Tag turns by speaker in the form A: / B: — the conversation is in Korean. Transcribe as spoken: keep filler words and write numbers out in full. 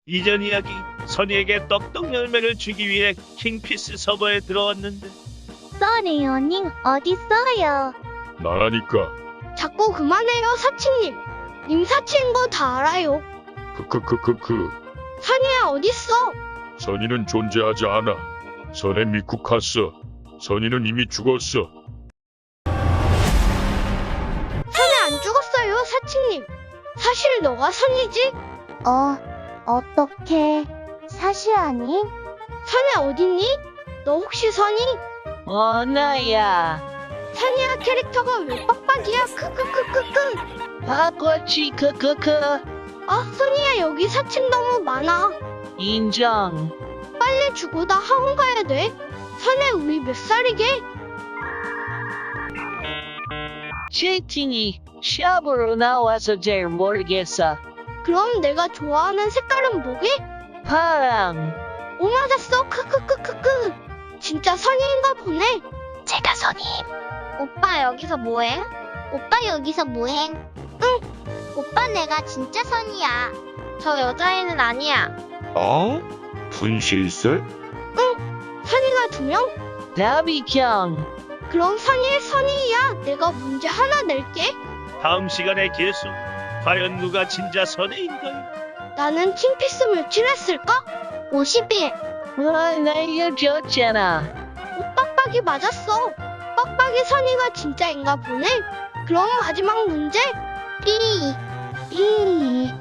A: 이전 이야기, 선이에게 떡떡 열매를 주기 위해 킹피스 서버에 들어왔는데
B: 써니 언니 어딨어요?
C: 나라니까.
D: 자꾸 그만해요, 사치님. 님 사치인 거 다 알아요.
C: 크크크크크.
D: 선이야, 어딨어?
C: 선의는 존재하지 않아. 선에 미쿡했어. 선의는 이미 죽었어.
D: 선이 안 죽었어요, 사치님. 사실 너가 선이지?
B: 어, 어떡해. 사실 아님?
D: 선이 어딨니? 너 혹시 선이?
E: 어, 나야.
D: 선이야 캐릭터가 왜 빡빡이야? 크크크크크.
E: 바꿔치 크크크.
D: 아, 선이야 여기 사칭 너무 많아.
E: 인정.
D: 빨리 주고 나 학원 가야 돼. 선이 우리 몇 살이게?
E: 채팅이 샵으로 나와서 잘 모르겠어.
D: 그럼 내가 좋아하는 색깔은 뭐게?
E: 파랑.
D: 오, 맞았어. 크크크크크. 진짜 선이인가 보네.
B: 제가 선임. 오빠 여기서 뭐해? 오빠 여기서 뭐해? 응. 오빠 내가 진짜 선이야. 저 여자애는 아니야.
F: 어? 분실술?
D: 선이가 두 명?
E: 다비경.
D: 그럼 선이의 선이야. 내가 문제 하나 낼게.
A: 다음 시간에 계속 과연 누가 진짜 선의인가요?
D: 나는 킹피스 며칠 했을까?
B: 오십 일.
E: 아, 나 이겨줬잖아.
D: 오, 빡빡이 맞았어. 빡빡이 선이가 진짜인가 보네. 그럼 마지막 문제.
B: 삐.
D: 이